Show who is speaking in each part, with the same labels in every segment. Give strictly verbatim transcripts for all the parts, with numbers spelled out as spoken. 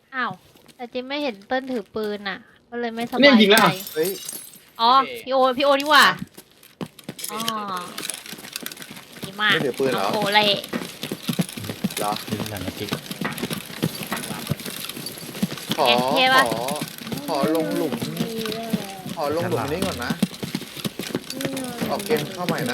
Speaker 1: อ้าวแต่จิมไม่เห็นเติ้ลถือปืนอ่ะ ก็เลยไม่สบาย
Speaker 2: เนี่ยยิงแล้ว
Speaker 1: ใจ
Speaker 2: อ่ะ
Speaker 3: เฮ้ย
Speaker 1: อ๋อพี่โอพี่โอนี่หว่า
Speaker 3: พี่
Speaker 1: อ๋อ
Speaker 3: เบย์
Speaker 1: ดีมาก
Speaker 3: ไม่ถือปืนเหรอ
Speaker 1: โอเล่
Speaker 3: เหรอ
Speaker 4: ดึงหนังกระติก
Speaker 3: ขอขอขอลงหลุม ขอลงหลุมนี้ก่อนนะ ออกเกมเข้าใหม่นะ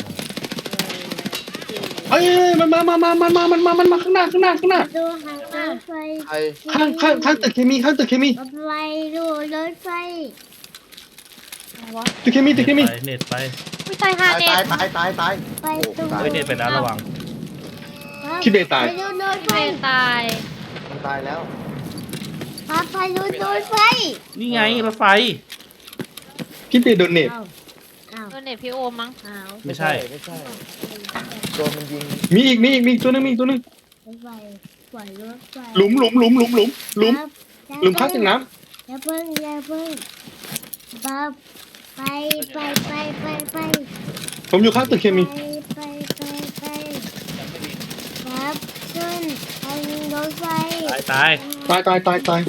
Speaker 2: เอ้ยมันมามามามันมามันมามันมาข้างหน้าข้างหน้าข้างหน้า
Speaker 5: ดูหางรถไฟ
Speaker 3: ใคร
Speaker 2: ข้างข้างข้างตึกเคมีข้างตึกเคมี
Speaker 5: รถไฟดูรถไฟ
Speaker 1: อะไรวะ
Speaker 2: ตึกเคมีตึกเคมี
Speaker 4: เน็ตไป
Speaker 1: ไม่ตายฮา
Speaker 3: ตาย
Speaker 1: เน็
Speaker 3: ตาย
Speaker 1: ต
Speaker 3: ตายตายตาย
Speaker 5: ไป
Speaker 3: โอ้
Speaker 5: ตรง
Speaker 3: ตาย
Speaker 4: เฮ้ยเน็ตไปนะระวัง
Speaker 2: พี่เบย์ตาย
Speaker 5: ไปดูรถไฟ
Speaker 1: ไม่ตาย
Speaker 3: มันตายแล้ว
Speaker 5: พาไปดูรถไฟ
Speaker 4: นี่ไงรถไฟ
Speaker 2: พี่เบย์โดนเน็ต
Speaker 5: อ้าวอ้าว
Speaker 1: โดนเน็ตพี่โอมั้ง
Speaker 5: อ้าว
Speaker 4: ไม่ใช่
Speaker 3: ไม่ใช่โดนมันยิง
Speaker 2: มีอีกมีอีกมีอีกตัวหนึงมีอีกตัวหนึง
Speaker 5: รถไฟปล่อยรถไฟ
Speaker 2: หลุมหลุมหลุมหลุมหลุมหลุม
Speaker 5: ครับ
Speaker 2: หลุมข้างตึกน้
Speaker 5: อย่าเพิ่งอย่าเพิ่งบับไปไปไปไปไป
Speaker 2: ำผมอยู่ข้างตึกเคมี
Speaker 5: ไปไปไปไปครับขึ้นทางรถไฟ
Speaker 4: ตายตาย
Speaker 2: ตายตายตายตาย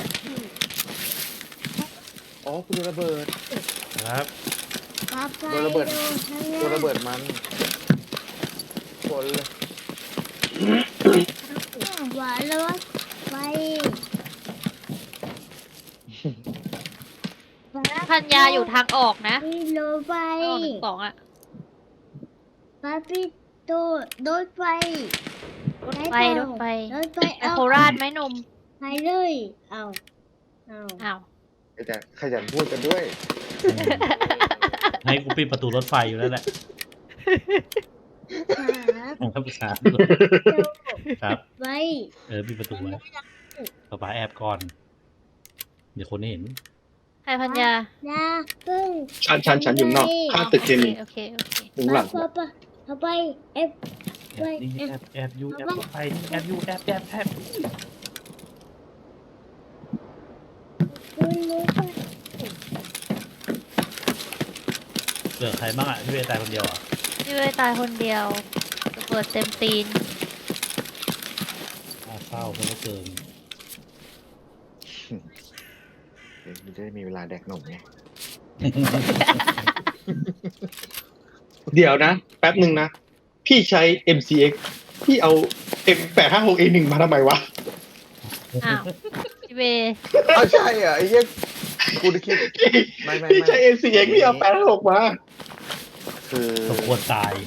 Speaker 3: อ๋อกูโดนระเบิด
Speaker 4: ครับ
Speaker 5: ครับไป
Speaker 3: โดนระเบิด
Speaker 5: ดูข้างห
Speaker 3: โดน
Speaker 5: น้า
Speaker 3: ระเบิดมันคนเลย
Speaker 5: หวานรถไฟ
Speaker 1: พันยาอยู่ทางออกนะ
Speaker 5: พี่รถไฟ
Speaker 1: ทางออกหนึ่งสองอ่ะ
Speaker 5: พาพี่ตูรถไฟ
Speaker 1: รถไฟรถไฟ
Speaker 5: รถไฟ
Speaker 1: ไปโคราชไหมหนม
Speaker 5: ไปเลยเอาเอา
Speaker 1: อ้าว
Speaker 3: ขยันขยันพูดกันด้วย
Speaker 4: ให้กูปิดประตูรถไฟอยู่แล้วแหละ
Speaker 5: ครับ
Speaker 4: ผมก็ปรึกษาครับ
Speaker 5: ไป
Speaker 4: เออปิดประตูไว้ป๊าป๊าแอบก่อน เดี๋ยวคนเห็น
Speaker 1: ใครพันยา
Speaker 5: อย่าเพิ่ง
Speaker 2: ฉันฉันฉันอยู่นอกข้างตึกเคมี
Speaker 1: โอเคโอเค
Speaker 2: หลุมหลัง
Speaker 5: ไปไปไปไปเอฟ
Speaker 4: แอบนี่แอบแอบอยู่แอบรถไฟนี่แอบอยู่แอบแอบแอบ
Speaker 5: ขึ้นรถไฟ
Speaker 4: เหลือใครบ้างอ่ะพี่เวย์ตายคนเดียวอ่ะ
Speaker 1: พี่เวยตายคนเดียวระเบิดเต็มตีน
Speaker 4: น่าเศร้าเพราะว่าเกิน
Speaker 3: เดี๋ยวมันจะได้มีเวลาแดกหนมไง
Speaker 2: เดี๋ยวนะ แป๊บหนึ่งนะ พี่ใช้ เอ็ม ซี เอ็กซ์ พี่เอา เอ็ม แปดห้าหก เอ หนึ่ง มาทำไมวะ
Speaker 1: อ้าวพี่เวย
Speaker 3: อ้าวใช่เหรอไอ้เหี้ยกูได้คิด ไม่ไม่
Speaker 2: พี่ใช้
Speaker 3: ไม่
Speaker 2: เอ็ม ซี เอ็กซ์ พี่เอาแปดห้าหกมา
Speaker 3: คือ
Speaker 4: สมควรตาย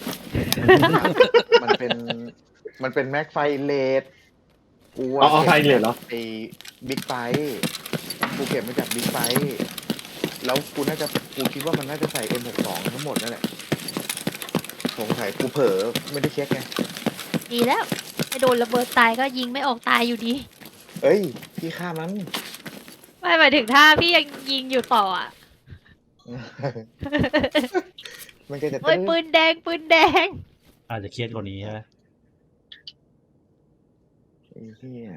Speaker 3: มันเป็น มันเป็นแม็กไฟเลดกู
Speaker 2: อ๋อไฟเลทเหรอ
Speaker 3: ไอ้บิ๊กไฟกูเก็บมาจากบิ๊กไฟแล้วกูน่าจะกูคิดว่ามันน่าจะใส่ เอ็ม หกสิบสอง ทั้งหมดนั่นแหละสงสัยกูเผลอไม่ได้เช็คไง
Speaker 1: ดีแล้วไปโดนระเบิดตายก็ยิงไม่ออกตายอยู่ดี
Speaker 3: เอ้ยพี่ฆ่ามัน
Speaker 1: ไม่หมายถึงถ้าพี่ยังยิงอยู่ต่ออ่ะ
Speaker 3: มันก็จะ
Speaker 1: โอ้ยปืนแดงปืนแดง
Speaker 4: อาจจะเครียดกว่านี้ใช่ไหม
Speaker 3: ไอ้เหี้ย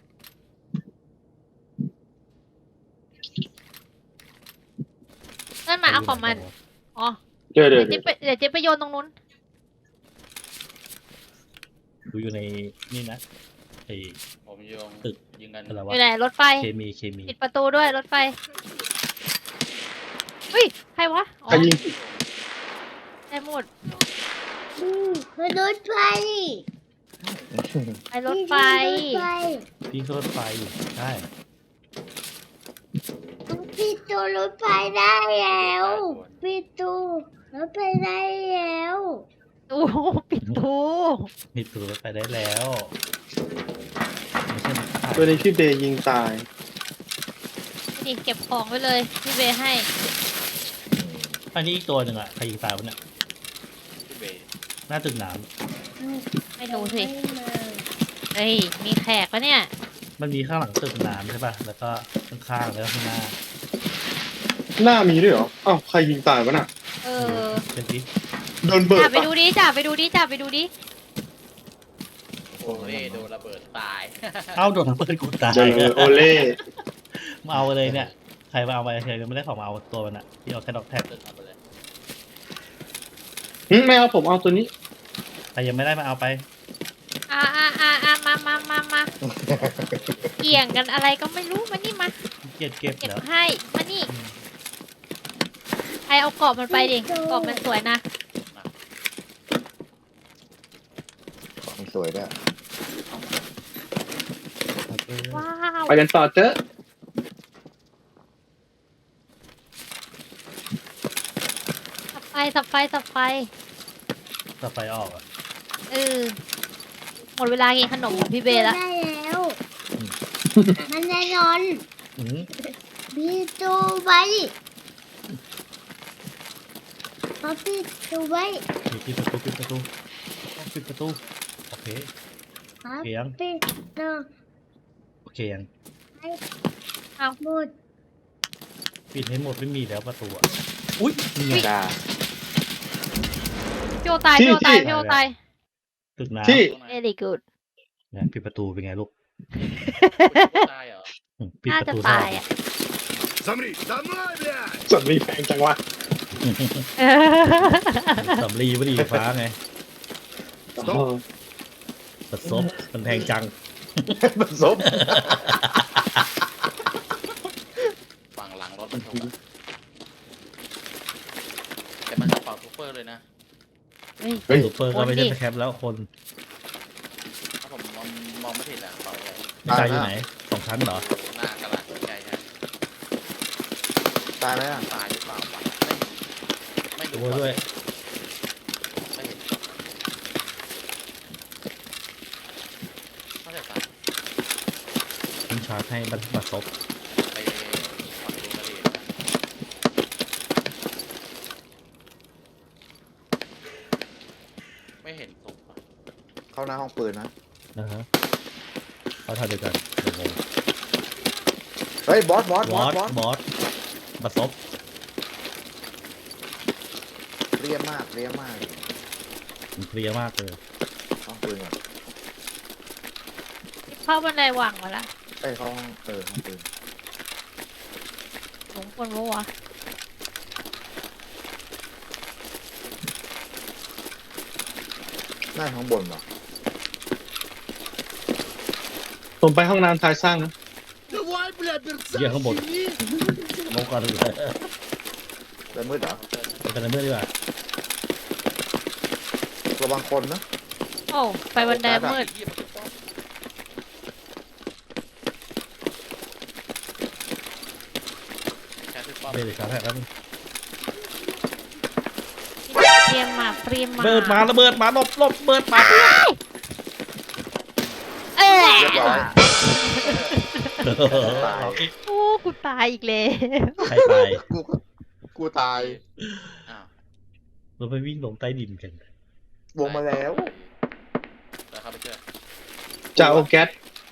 Speaker 1: นั่นมาเอาของมัน อ๋อ
Speaker 2: เดี๋ยวเดี๋
Speaker 1: เดี๋
Speaker 2: ย
Speaker 1: ยว วเจ๊ไปเดี๋ยวเจ๊ไปโยนตรงนู้น
Speaker 4: ดูอยู่ในนี่นะไอ้
Speaker 6: ผมโยง
Speaker 4: ตึก
Speaker 6: ยิงกัน
Speaker 4: อะไร
Speaker 1: อ
Speaker 4: วะ
Speaker 1: ยู่ไหนรถไฟ
Speaker 4: เคมีเคมี
Speaker 1: ปิดประตูด้วยรถไฟเฮ้ย ใครวะ อ๋อ
Speaker 2: ใครยิง
Speaker 1: ได้หมด
Speaker 5: อืมไปรถไฟ
Speaker 1: ไปรถไฟ
Speaker 5: รถไฟ
Speaker 4: พี่ก็รถไฟอยู่ใช่
Speaker 5: พี่ตูรถไฟได้แล้วพี่ตูรถไฟได้แล้ว
Speaker 1: ตู้ปิดตู้
Speaker 4: มีตัวรถไฟได้แล้วไม่ใช่มันขาด
Speaker 2: ตัวนี้พี่เบย์ยิงตาย
Speaker 1: นี่เก็บของไว้เลย พี่เบย์ให้
Speaker 4: อันนี้อีกตัวหนึ่งอ่ะใครยิงตายวะเนี่ย
Speaker 6: พี่เบย์
Speaker 4: หน้าตึกน้
Speaker 1: ไม่รู้สิ
Speaker 5: ไม่มา
Speaker 1: เฮ้ย มีแขกปะเนี่ย
Speaker 4: ำมันมีข้างหลังตึกน้ำใช่ป่ะแล้วก็ข้างๆแล้วก็ข้างหน้า
Speaker 2: หน้ามีด้วยเหรอ อ้าวใครยิงตายวะน่ะ
Speaker 1: เออ
Speaker 4: เป็นที่
Speaker 2: โดนเบิร์
Speaker 1: จ่า
Speaker 2: ด
Speaker 1: ไป
Speaker 2: ปะ
Speaker 1: ดูดิจ่าไปดูดิจ่าไปดูดิ
Speaker 6: โอ้เล่โดนระเบิดตาย
Speaker 4: เอ้าโดนระเบิดกูตาย
Speaker 2: เจอโอเล่
Speaker 4: มาเอาเลยเนี่ยใครมาเอาไปเฉยๆไม่ได้ของมาเอาตัวมันอะที่เอาแค่ดอกแท็ก
Speaker 6: ตึกเอาไปเลย
Speaker 2: หึไม่เอาผมเอาตัวนี้
Speaker 4: ใครยังไม่ได้มาเอาไป
Speaker 1: อ่าอ่าอ่าอ่ามามามามาเกี่ยงกันอะไรก็ไม่รู้มานี่มา
Speaker 4: เก็บเก็บ
Speaker 1: เก็บ
Speaker 4: แล้ว
Speaker 1: ให้มานี่ใครเอากรอบมันไปดิกรอบมันสวยนะ
Speaker 3: ของสวยด้วย
Speaker 1: ว้าว
Speaker 2: ไปกันต่อเจอะ
Speaker 1: สับไฟสับไฟสับไฟ
Speaker 4: ถ้าไฟออกอ่ะ
Speaker 1: เออหมดเวลากินขนมของพี่เบย์แล้ว
Speaker 5: ได้แล้ว มันแน่นอน
Speaker 4: อืม
Speaker 5: พี่ตูไว้พอพี่ตูไว้
Speaker 4: ปิดประตูปิดประตูปิดประตูโอเค
Speaker 5: ครับ
Speaker 4: เกียง
Speaker 5: พี่ตู
Speaker 4: โอเคยัง
Speaker 5: ไว้
Speaker 1: เอา
Speaker 5: หมด
Speaker 4: ปิดให้หมดไม่มีแล้วประตูอ่ะอุ้ยนี่ไง
Speaker 3: จ้า
Speaker 1: พี่โอตายพี่โอตายพี่โอตาย
Speaker 4: ตึกน้
Speaker 2: ที่
Speaker 6: ตรงไหน
Speaker 1: very good
Speaker 4: ำเนี่ยปิดประตูเป็นไงลูก
Speaker 6: ได้เหรอ
Speaker 4: อืมปิด
Speaker 1: น่า
Speaker 4: ประ
Speaker 1: จะ
Speaker 4: ตู
Speaker 1: ตายอ่ะ
Speaker 7: Замри! Давай, блядь!
Speaker 2: ส่วนมีแพงจังวะ
Speaker 4: สำลีพอดีฟ้าไง
Speaker 2: อ๋อ
Speaker 4: ปัดซบมันแพงจัง
Speaker 3: ผสม
Speaker 6: ฝั่งหลังรถบรรทุกอะแต่มันกระเป๋าซูเปอร์เลยนะ
Speaker 1: เฮ้ย
Speaker 2: เฮ้ย
Speaker 4: ซูเปอร์ก็ไม่ใช่แคปแล้วคน
Speaker 6: ถ้าผมมองมองไม่ผิดอะกระเป๋าใหญ่
Speaker 4: ไม่ใจอยู่ไหนสองชั้นเหรอ
Speaker 6: หน้ากระดาษใหญ่ใช่
Speaker 3: ตายไหมอ่ะ
Speaker 6: ตายหรือเปล่าวะไม่ไม่
Speaker 4: ดู
Speaker 6: รู้
Speaker 4: ด้วย
Speaker 6: ไม่เห็นน่าจะตาย
Speaker 4: คุณชาร์จให้บัตรบัตรซบ
Speaker 6: ไปฝั่งดูกระดิ่งไม่เห็นศพอะ
Speaker 3: เข้าหน้าห้องปืนนะ
Speaker 4: นะฮะเขาทำเดียวกันเดี๋ยวงง
Speaker 3: เฮ้ยบอสบอส
Speaker 4: บบ อ
Speaker 3: อส
Speaker 4: ส
Speaker 3: บอส
Speaker 4: บอสบัตรซบ
Speaker 3: เรียบมากเรียบมาก
Speaker 4: มันเพลียมากเลย
Speaker 3: ห้องปืนก่อน
Speaker 1: เข้าบันไดหวังมาละ
Speaker 3: เอ้ยเข้าห้องเออห้องปืน
Speaker 1: สมควรรู้วะ
Speaker 3: หน้าข้างบนเหรอ
Speaker 2: ผมไปห้องน้ำท้ายสร้างนะ
Speaker 7: Давай, блядь,
Speaker 4: เยี่ยข้างบน
Speaker 7: мерцай!
Speaker 4: ลงก่อนเลย
Speaker 3: แล้วมืดเหรอ
Speaker 4: เป็นอะไรเมื่อดีกว่า
Speaker 3: ระวังคนนะ
Speaker 1: โอ้ไปบันไดมืด
Speaker 6: แค่ที่ป้อม
Speaker 4: เบรกชาร์จให้แล้วนึง
Speaker 1: เตรียมมาเตรียมมา
Speaker 4: เบิดมาระเบิดมาหลบหลบเบิดมา
Speaker 1: เอ้ย
Speaker 3: เรียบร้อย ตาย
Speaker 1: โอ้กูตายอีกแล้ว
Speaker 4: ใครตาย
Speaker 3: กูก็กูตาย
Speaker 6: อ้าว
Speaker 4: เราไปวิ่งลงใต้ดินกัน
Speaker 3: วงมาแล้ว
Speaker 6: แล้วเข้าไปช่วย
Speaker 2: จะเอาแก๊ส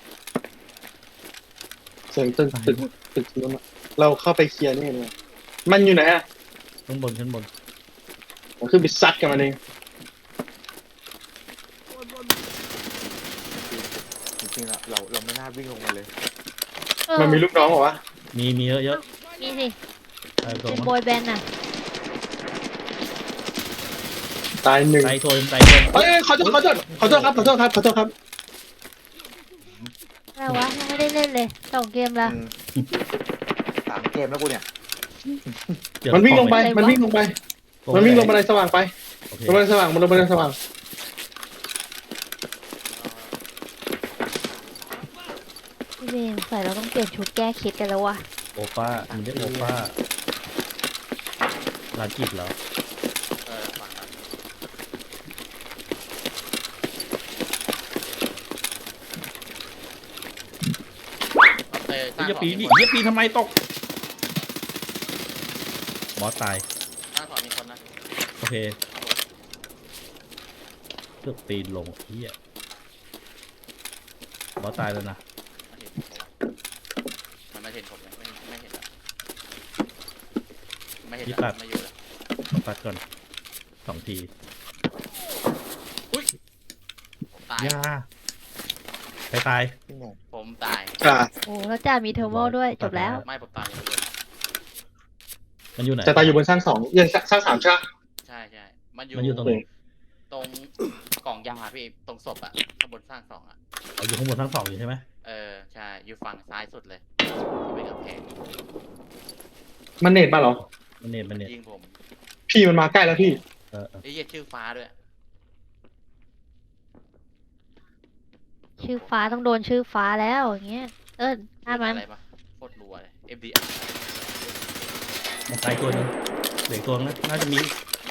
Speaker 2: เสียงตึกตึกตึกนู้นอะเราเข้าไปเคลียร์นี่เลยมันอยู่ไหนอ่ะ
Speaker 4: ข้างบนข้างบน
Speaker 2: ผมขึ้นไปซัดกับมันเอง
Speaker 3: จริงๆอะเราเราไม่น่าวิ่งลงมาเลย
Speaker 1: เออ
Speaker 2: มันมีลูกน้องเหรอวะ
Speaker 4: มีมีเยอะเยอะ
Speaker 1: นี่สิ
Speaker 4: ๆตายตัว
Speaker 1: เป็น
Speaker 4: มั้ง
Speaker 1: บอยแบนด์น่ะ
Speaker 2: ตายหนึ่ง
Speaker 4: ตายตัวตายตัว
Speaker 2: เอ้ยขอโทษขอโทษขอโทษครับขอโทษครับขอโทษครับ
Speaker 1: อะไรวะยังไม่ได้เล่นเลยสองเกมละ
Speaker 3: อืมสามเกมแล้วกูเนี่ย
Speaker 4: เดี๋ย
Speaker 2: มันวิ่งลงไป
Speaker 1: อะไรวะ
Speaker 2: มันวิ่งลงไป มันวิ่งลงบันไดสว่างไป
Speaker 4: โอเค
Speaker 2: ลงบันไดสว่างมันลงบันไดสว่าง
Speaker 1: พี่เบนใส่เราต้องเปลี่ยนชุดแก้เคล็ดกันแล้ววะ
Speaker 4: โอป้ามันเรียกโอป้าลานกิจเหรอ
Speaker 6: เออฝั่งนั้นเออสร้าง
Speaker 4: เยี่ย
Speaker 6: ของ
Speaker 4: ปี
Speaker 6: มี
Speaker 4: นี่
Speaker 6: คน
Speaker 4: เยี่ยปีทำไมตกบอสตาย
Speaker 6: สร้างของมีคนนะ
Speaker 4: โอเคเลือกปีนลงเฮียบอสตายแล้วนะ
Speaker 6: มันไม่เห็นผมเลยไม่ไม่เห็นละไม่เห็นละไม่อยู่ละ
Speaker 4: ต้องปัดก่อนสองที
Speaker 6: ผมตาย
Speaker 4: ยาใครตาย
Speaker 3: พี่หมง
Speaker 6: ผมตาย
Speaker 2: อ่า
Speaker 1: โอ้แล้วจ่ามีเทอร์โมด้วยจบแล้ว
Speaker 6: ไม่ผมตายอยู่เลย
Speaker 4: มันอยู่ไหน
Speaker 2: จะตายอยู่บนสร้างสองยังสร้างสามใช่ปะ
Speaker 6: ใช่ใช่มันอยู่
Speaker 4: มันอยู่ตรงไหน
Speaker 6: ตรงกล่องยาพี่ตรงศพอะข้างบนสร้างสองอะ
Speaker 4: เอาอยู่ข้างบนทั้งสองอยู่ใช่ไหม
Speaker 6: เออใช่อยู่ฝั่งซ้ายสุดเลยที่เป็นกำแพง
Speaker 2: มันเน็ตมาเหรอ
Speaker 4: มันเน็ตมันเน็ต
Speaker 6: ยิงผม
Speaker 2: พี่มันมาใกล้แล้วพี่
Speaker 4: เออเออ
Speaker 6: ไอ้เหี้ยชื่อฟ้าด้วย
Speaker 1: ชื่อฟ้าต้องโดนชื่อฟ้าแล้วอย่างเงี้ยเอิ้นถ้ามัน
Speaker 6: อะไรปะโคตรรัวเลย เอ็ม ดี อาร์
Speaker 4: มันตายตัวหนึงเหลืออกตัวนึงนะน่าจะมี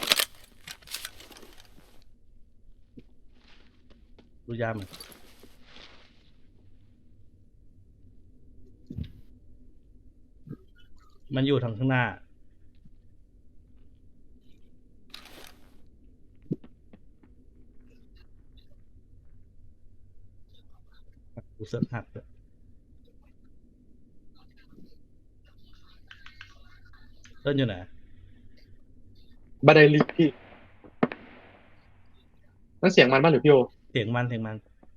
Speaker 4: ดูยามนมันอยู่ทางข้างหน้ากูเสิร์ฟหักเลยเล่นอยู่ไหน
Speaker 2: บันไดลิฟต์พี่นั่นเสียงมันบ้างหรือพี่โอ
Speaker 4: เสียงมันเสียงมัน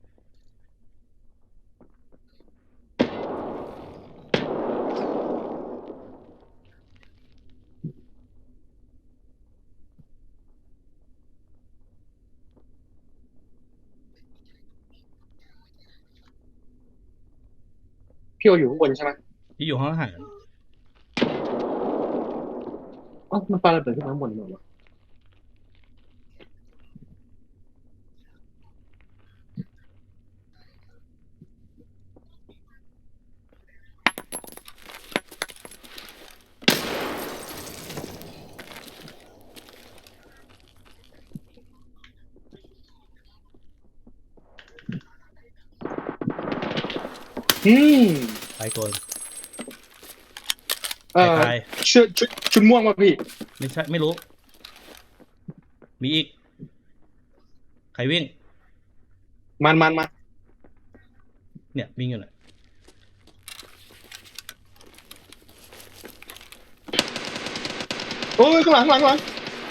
Speaker 2: พี่โออยู่ข้างบนใช่ไหม
Speaker 4: ที่อยู่ห้องอาหาร
Speaker 2: อ๋อมันปาระเบิดขึ้นมาข้างบนเลยวะอืม
Speaker 4: ตายตัว
Speaker 2: เอ่อ
Speaker 4: ตาย
Speaker 2: ชุดชุดชุดม่วงป่ะพี่
Speaker 4: ไม่ใช่ไม่รู้ มีอีก ใครวิ่ง
Speaker 2: มันมันมา
Speaker 4: เนี่ยวิ่งอยู่เนี่ย
Speaker 2: โอ้ยข้างหลังข้างหลังข้างหลัง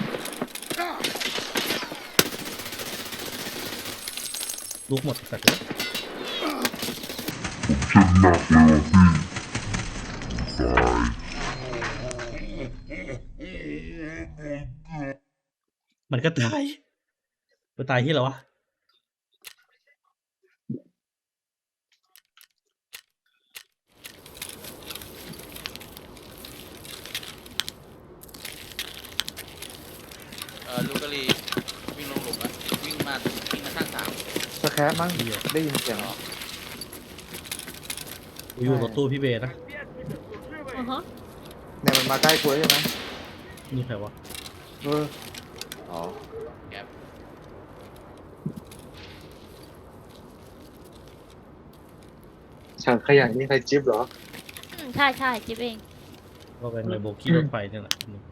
Speaker 4: ลูกหมดสัตว์เลยมันก็ตายมันตายที่เหรอวะ
Speaker 6: เออลูกกะลีวิ่งลงหลุมอะวิ่งมาวิ่งมาข้างสาม
Speaker 3: สแครปมั้งได้ยินเสียงเหรอ
Speaker 4: กูอยู่รถตู้พี่เบย์นะ
Speaker 1: อือฮะ
Speaker 3: เนี่ยมันมาใกล้กูแล้วใช่ไหม
Speaker 4: นี่ใครวะ
Speaker 3: เอออ๋อ
Speaker 6: แกป
Speaker 2: ถังขยะนี่ใครจิ๊บเหรอ
Speaker 1: อืมใช่ใช่จิ๊บเอง
Speaker 4: ก็เป็นเลยโบกี้รถไฟเนี่ยแหละ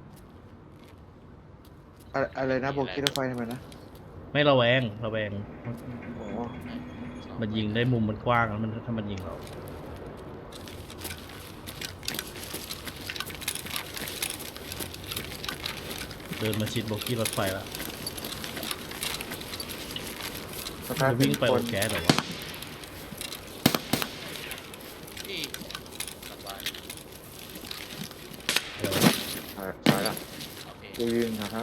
Speaker 3: อะอะไรนะโบกี้รถไฟทำไมนะ
Speaker 4: ไม่ระแวงระแวง
Speaker 3: อ๋อ
Speaker 4: มันยิงได้มุมมันกว้างแล้วมันถ้ามันยิงเรา เดินมาชิดโบกี้รถไฟแล้ว
Speaker 3: สแครป
Speaker 4: จะวิ่งไป
Speaker 3: ค
Speaker 4: โอน แก๊สเหรอวะ
Speaker 6: ที่สบาย
Speaker 4: เดี๋ยว
Speaker 3: ใช่ใช่ละ
Speaker 6: โอเค
Speaker 3: กูยืนนะครับ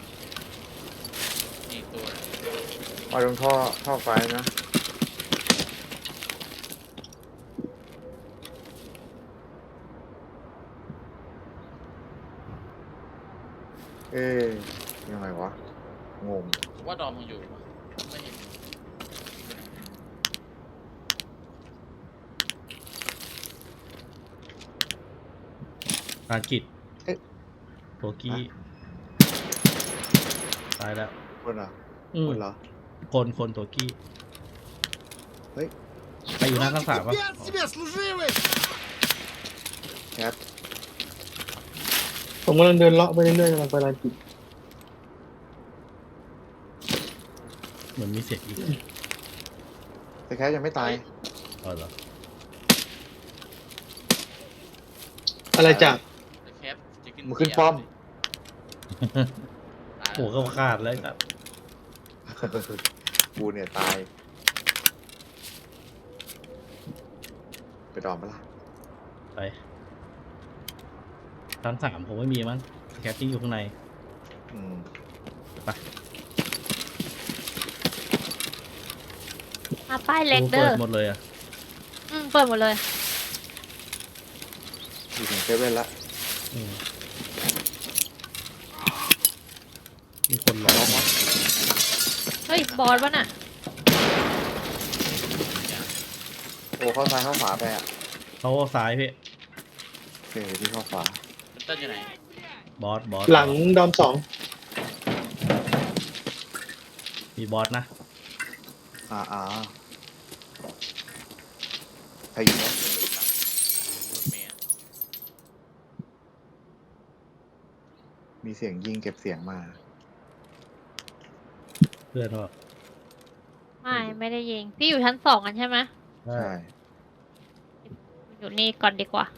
Speaker 6: นี่ตัว
Speaker 3: มาตรงท่อท่อไฟนะเอ๊ยยังไงวะงง
Speaker 6: ว่าดอมมึงอยู่ปะไม่เห็น
Speaker 4: ภารกิจโบกี้ตายแล้ว
Speaker 3: คนเหรอ
Speaker 4: อืม
Speaker 3: คนเหรอ
Speaker 4: คนคนตัวกี้
Speaker 3: เฮ้ย
Speaker 4: ใครอยู่หน้าข้างสามวะ
Speaker 7: Пять тебе, служивый!
Speaker 3: แคป
Speaker 2: ผมกำลังเดินเลาะไปเรื่อยๆกำลังไปร้านกิน
Speaker 4: เหมือนมีเสียงอีก
Speaker 3: แต่แคปยังไม่ตาย
Speaker 4: อ๋อเหรอ
Speaker 2: อะไรจาก
Speaker 6: แต่แคปจะขึ้น
Speaker 3: มึงขึ้นป้อม
Speaker 6: ตาย
Speaker 4: โอ้
Speaker 6: แล้ว
Speaker 4: ก็ขาดเลยครับ
Speaker 3: กูเนี่ยตาย ไปดอมปะล่ะ
Speaker 4: ไปชั้นสามผมไม่มีมั้งแคปติ้งอยู่ข้างใน
Speaker 3: อืม
Speaker 4: ไป
Speaker 1: มาป้ายเล็ก
Speaker 4: กู
Speaker 1: เด้
Speaker 4: เปิ
Speaker 1: อ
Speaker 4: ดหมดเลยอ่ะ
Speaker 1: อืมเปิดหมดเลย
Speaker 3: อยู่ถึงเซเว่นละ
Speaker 4: อืมมีคนรอ
Speaker 3: น้องวะ
Speaker 1: เฮ้ย บอสวะน่ะ
Speaker 3: โอ้เข้าซ้ายเข้าขวาไปอ่ะ
Speaker 4: เขาซ้ายพี่
Speaker 3: โอเคเดี๋ยวพี่เข้าขวา
Speaker 6: คุณเติ้ลอยู่ไหน
Speaker 4: บอสบอส
Speaker 2: หลังดอมสอง
Speaker 4: มีบอสนะ
Speaker 3: อ่าอ่าใครอยู่วะ
Speaker 6: รถเมล์
Speaker 3: มีเสียงยิงเก็บเสียงมา
Speaker 4: เพื่อนว่า
Speaker 1: ไม่ ไม่ได้ยิง พี่อยู่ชั้นสองกันใช่ไหม
Speaker 4: ใช่
Speaker 3: ใช่
Speaker 1: อยู่นี่ก่อนดีกว่า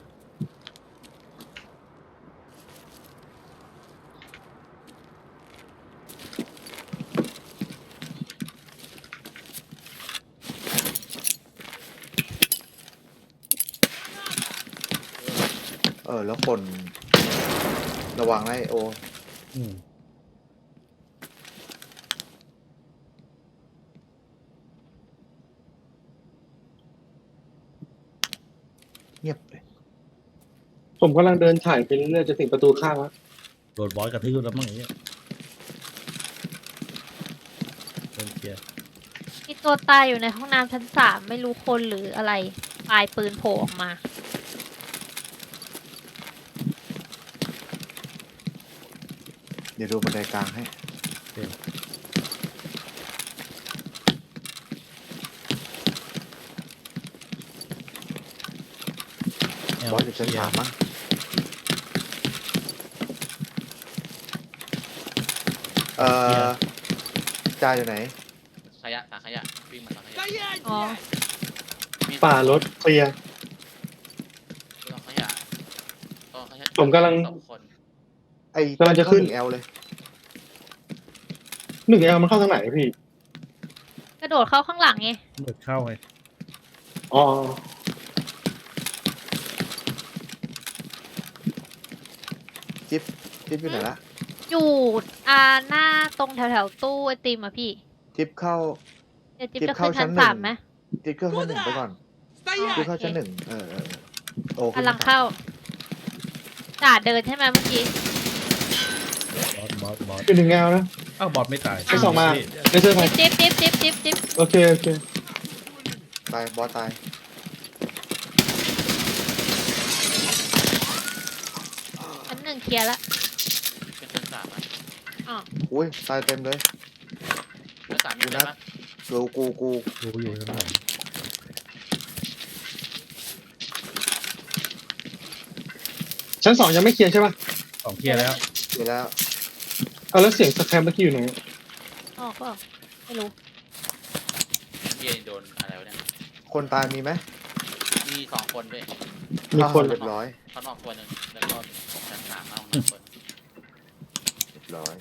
Speaker 3: เออ แล้วคนระวังนะไอ้โอ
Speaker 4: อืม
Speaker 3: เงียบเลย
Speaker 2: ผมกำลังเดินถ่ายไปเรื่อยๆจะถึงประตูข้างแล้ว
Speaker 4: โดนบอสกระทืบแล้วมั้งไอ้เงี้ยเดินเคลียร์
Speaker 1: มีตัวตายอยู่ในห้องน้ำชั้นสามไม่รู้คนหรืออะไร ปลายปืนโผล่ออกมา
Speaker 3: เดี๋ยวดูบันไดกลางให้
Speaker 4: แอล
Speaker 3: บอสอยู่ชั้น
Speaker 4: เคลีย
Speaker 3: สา
Speaker 4: ร์
Speaker 3: มมั้งเอ่อจ่าอยู่ไหน
Speaker 6: ขยะสาขยะวิ่งมาสาขยะ
Speaker 7: Стоять,
Speaker 1: О.
Speaker 7: блядь!
Speaker 6: มี
Speaker 2: ป่ารถเคลียร์
Speaker 6: สาขยะสาขยะ
Speaker 2: ผมกำลัง
Speaker 6: สองคน
Speaker 3: ไอ้
Speaker 2: กำลังจะขึ้น
Speaker 3: แอลเลย
Speaker 2: หนึ่งเอลมันเข้าทางไหนพี่
Speaker 1: กระโดดเข้าข้างหลังไง
Speaker 4: เปิดเข้าไง
Speaker 2: อ๋อ
Speaker 3: จิ๊บจิ๊บอยู่ไหนละ
Speaker 1: อยู่อ่าหน้าตรงแถวแถวๆตู้ไอติมอะพี่
Speaker 3: จิ๊บเข้า
Speaker 1: เดี๋ยวจิ๊บ
Speaker 3: จิ๊บ
Speaker 1: จะ
Speaker 3: เข้า
Speaker 1: ขึ้นชั้น
Speaker 3: ชั้นหนึ่ง
Speaker 1: สามไหม
Speaker 3: จิ๊บเข้าชั้นหนึ่งไปก่อน จิ๊บ
Speaker 7: Стоять!
Speaker 3: เข้าชั้นหนึ่งเออเออเออโอ้
Speaker 1: กำลังเข้าจ่าเดินใช่ไหมเมื่อกี้
Speaker 4: บอสบอสบอส
Speaker 2: เป็นหนึ่งเอลนะ
Speaker 4: อ้าวบอสไม่ตาย
Speaker 2: ไปส่องมา
Speaker 4: พี่
Speaker 2: ในเสื้อผ้า
Speaker 1: จิ๊บจิ๊บจิ๊บจิ๊บจิ๊บ
Speaker 2: โอเคโอเค
Speaker 3: ตายบอสตาย
Speaker 1: ชั้นหนึ่งเคลียร์ละ
Speaker 6: เป็นชั้นสามอะ
Speaker 1: อ๋อ
Speaker 3: อุ้ยตายเต็มเลย
Speaker 6: ชั้นสามมีอะไรบ้าง
Speaker 3: ดูกูกู
Speaker 4: ดูอยู่ชั้นสอง
Speaker 2: ชั้นสองยังไม่เคลียร์ใช่ป่ะ
Speaker 4: สองเคลียร์แล้ว
Speaker 3: เดี๋ยวแล้ว
Speaker 2: เอาแล้วเสียงสแครมเมื่อกี้อยู่ไหน
Speaker 1: อ๋อก็ไม่รู้
Speaker 6: เบียร์โดนอะไรวะเนี่ย
Speaker 3: คนตายมีไหม
Speaker 6: มีสองคนด้วย
Speaker 2: มีคน
Speaker 3: เรียบร้อย
Speaker 6: เขานอกตัวหนึ่งแล้วก็ชั้นสามเอาหนึ่งคน
Speaker 3: เรียบร้อย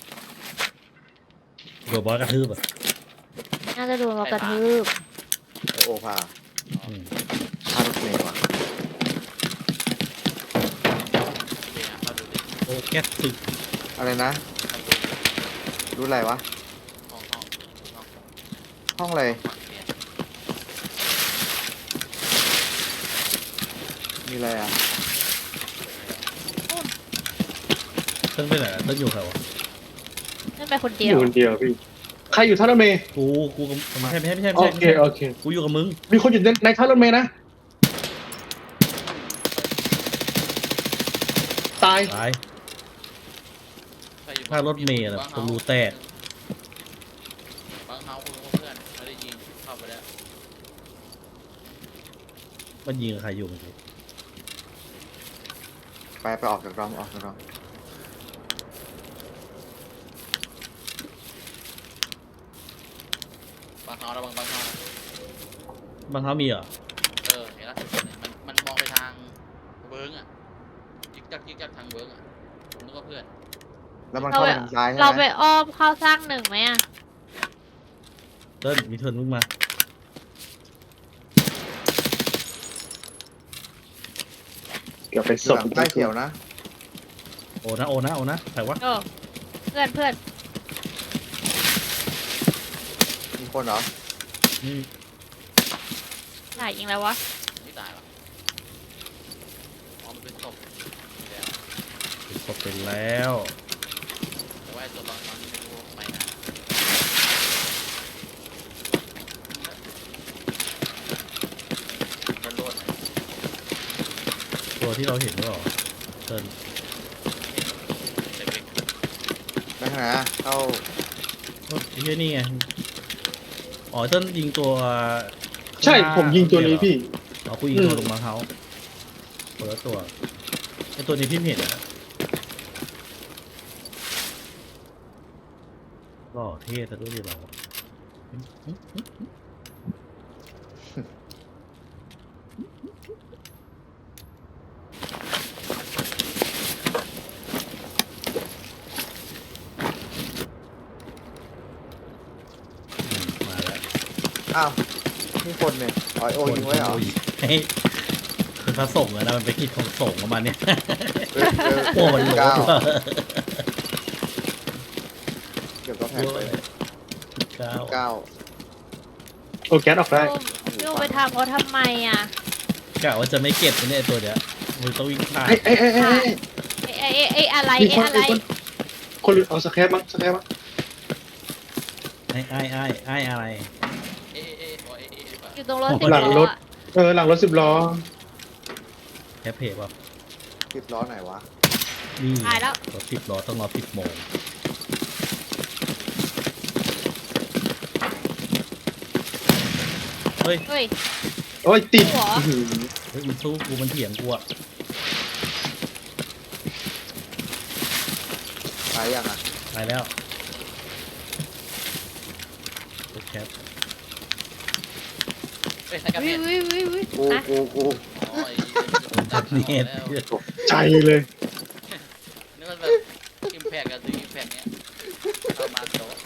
Speaker 4: โดนบอสกระทืบอ่ะ
Speaker 1: น่าจะโดนเรากระทืบ
Speaker 3: ไอโอพา
Speaker 4: อืม
Speaker 3: พารถเมย์ว่ะ
Speaker 6: เบียร์เข้าดูดิ
Speaker 4: โอ้แก๊สตึก
Speaker 3: อะไรนะ
Speaker 6: เข้าดูดิ
Speaker 3: รู้อะไรวะ
Speaker 6: ห้องห้องห้อง
Speaker 3: ห้องอะไร
Speaker 6: ฝั่งเบียร์
Speaker 3: มีอะไรอ่ะ
Speaker 4: เติ้งไปไหนอะเติ้งอยู่ใครวะ
Speaker 1: นั่นไปคน
Speaker 2: อ
Speaker 1: เดียว
Speaker 2: ยู่คนเดียวพี่ ใครอยู่ท่ารถเมย์
Speaker 4: กูกูกับไม่ใช่ไม่ใช่ไม่ใช่
Speaker 2: โอ
Speaker 4: ไม่
Speaker 2: เค
Speaker 4: ใช่
Speaker 2: โอเค
Speaker 4: กูอยู่กับมึง
Speaker 2: มีคนอยู่ในในท่ารถเมย์นะ ตาย
Speaker 4: ตาย
Speaker 6: ใครอยู่
Speaker 4: ถ้ารถเมล์น่ะ
Speaker 6: บ้าง
Speaker 4: กูรู้แตก
Speaker 6: บางเฮาคุณเพื่อนไม่ได้ยิงเข้าไปแล้ว
Speaker 4: มันยิงกับใครอยู่เมื่อกี้
Speaker 3: ไปไปออกจากรอมออกจากรอม
Speaker 6: บางเฮาแล้วบางบางเฮานะ
Speaker 4: บางเขามีเหรอ
Speaker 6: เออเห็นล่าสุดเนี่ยมันมันมองไปทางเวิร์กอ่ะยิกจักยิกจักทางเวิร์กอ่ะผมนึกว่าเพื่อน
Speaker 3: แล้วมันเข้าไปทางซ้ายใช่
Speaker 1: เรา
Speaker 3: ไห
Speaker 1: ไป
Speaker 3: ม
Speaker 1: อ้อมเข้าสร้างหนึ่งไหมอะ
Speaker 4: เติ้ลมีเทิร์นมึงมา
Speaker 2: เดี๋ยวไป
Speaker 3: อ
Speaker 2: ส่
Speaker 3: ยู่
Speaker 2: ง
Speaker 3: หลังใต้เขียวนะ
Speaker 4: โอ้นะโอ้นะโอ้นะใครวะ
Speaker 1: เออเพื่อนเพื่อน
Speaker 3: มีคนเหรอ
Speaker 4: นี่
Speaker 1: จ่ายยิงแล้ววะ
Speaker 6: ไม่ตายหรอกอ๋อมันเป็นศพแล้ว
Speaker 4: เป็นศพเป็นแล้ว
Speaker 6: แต่ว่าไอ้ตัวบางมันไม่รู้ว่าทำไมนะมันโดนไหม
Speaker 4: ตัวที่เราเห็นหรือเปล่าเติ้ล
Speaker 6: เด็ก
Speaker 3: นะฮะเข้า
Speaker 4: ก็ไอ้เหี้ยนี่ไงอ๋อเติ้ลยิงตัว
Speaker 2: ใช่ผมยิงตัวนี้พี่
Speaker 4: อ๋อกูยิงตัวลงมาเขาคนละตัวไอ้ตัวนี้พี่ไม่เห็นอะหล่อเท่ซะด้วยดิเรา อืมมาแล้ว
Speaker 3: อ้าวนี่คนเนี่ยอ๋อโอยิงไว้เหรอ
Speaker 4: โยเฮ้ยเป็นพระสงฆ์อะนะมันไปกิจของสงฆ์ประมาณเนี้ย
Speaker 3: เออเออ
Speaker 4: โอ้มันโหล
Speaker 3: เก้า
Speaker 4: ด
Speaker 3: เดี๋ยวก็แพ้ไป
Speaker 4: เก้า
Speaker 3: เก้า
Speaker 2: โอ้แก๊สออกได้
Speaker 1: พี่โอไปทำเขาทำไมอ่ะ
Speaker 4: กะว่าจะไม่เก็บนะเนี่ยตัวเนี้ยมึงต้องวิ่งผ่าน
Speaker 2: ไอ้ไอ้ไอ้ไอ้ไอ้
Speaker 1: เอ้เอ้เอ้อะไร
Speaker 2: มี
Speaker 1: เอ้
Speaker 2: คน
Speaker 1: อะไร
Speaker 2: มีคนคนเอาสแครปมั้งสแครปมั้ง
Speaker 4: ไอ้ไอ้ไอ้ไอ้อะไร
Speaker 6: เอ๊ะเอ๊ะอ๋อเอ๊ะเอ๊ะป่ะ
Speaker 1: อยู่ตรงรถสิบ
Speaker 2: หลัง
Speaker 1: ล้
Speaker 2: ร
Speaker 1: อ
Speaker 2: ถ
Speaker 1: อะ
Speaker 2: เออหลังรถสิบล้อ
Speaker 4: แคปเพจป่ะ
Speaker 3: สิบล้อไหนวะ
Speaker 4: นี่
Speaker 1: ตายแล้ว
Speaker 4: รถสิบล้อต้องรอสิบโมงเฮ้ย
Speaker 1: เฮ้ย
Speaker 2: โอ้ยติด
Speaker 1: หัว
Speaker 2: อื้อหือ
Speaker 4: เฮ้ยมันสู้กูมันเถียงกูอะ
Speaker 3: ตายยังอ่ะ
Speaker 4: ตายแล้วรถแคป
Speaker 6: เอ้ยใครกัน
Speaker 1: วิ
Speaker 6: เนี่ยว
Speaker 1: วิววิว
Speaker 3: กู
Speaker 1: นะ
Speaker 3: กูกู
Speaker 6: อ๋อไอ้ตัด
Speaker 4: เนี่ย
Speaker 6: แล้ว
Speaker 2: ใจเลย
Speaker 6: นึกว่าแบบอิมแพกกับซื้ออิมแพกเนี้ยเอามาโต๊ะ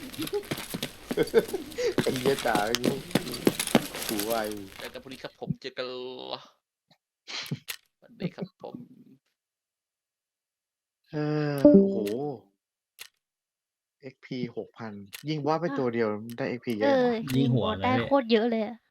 Speaker 3: ไอ้เหี้ยจ๋ากูกูไว
Speaker 6: เจอกันพรุ่งนี้ครับผมเจอกันวันนี้ครับผม
Speaker 3: เออโอ้โห เอ็ก พี หกพันยิงว่าไปตัวเดียวได้ เอ็ก พี เย
Speaker 1: เอ
Speaker 3: อะ
Speaker 1: อ
Speaker 3: วะ
Speaker 4: ยิงหัว
Speaker 1: ได้
Speaker 4: นะเนี่ย
Speaker 1: โคตรเยอะเลยอะ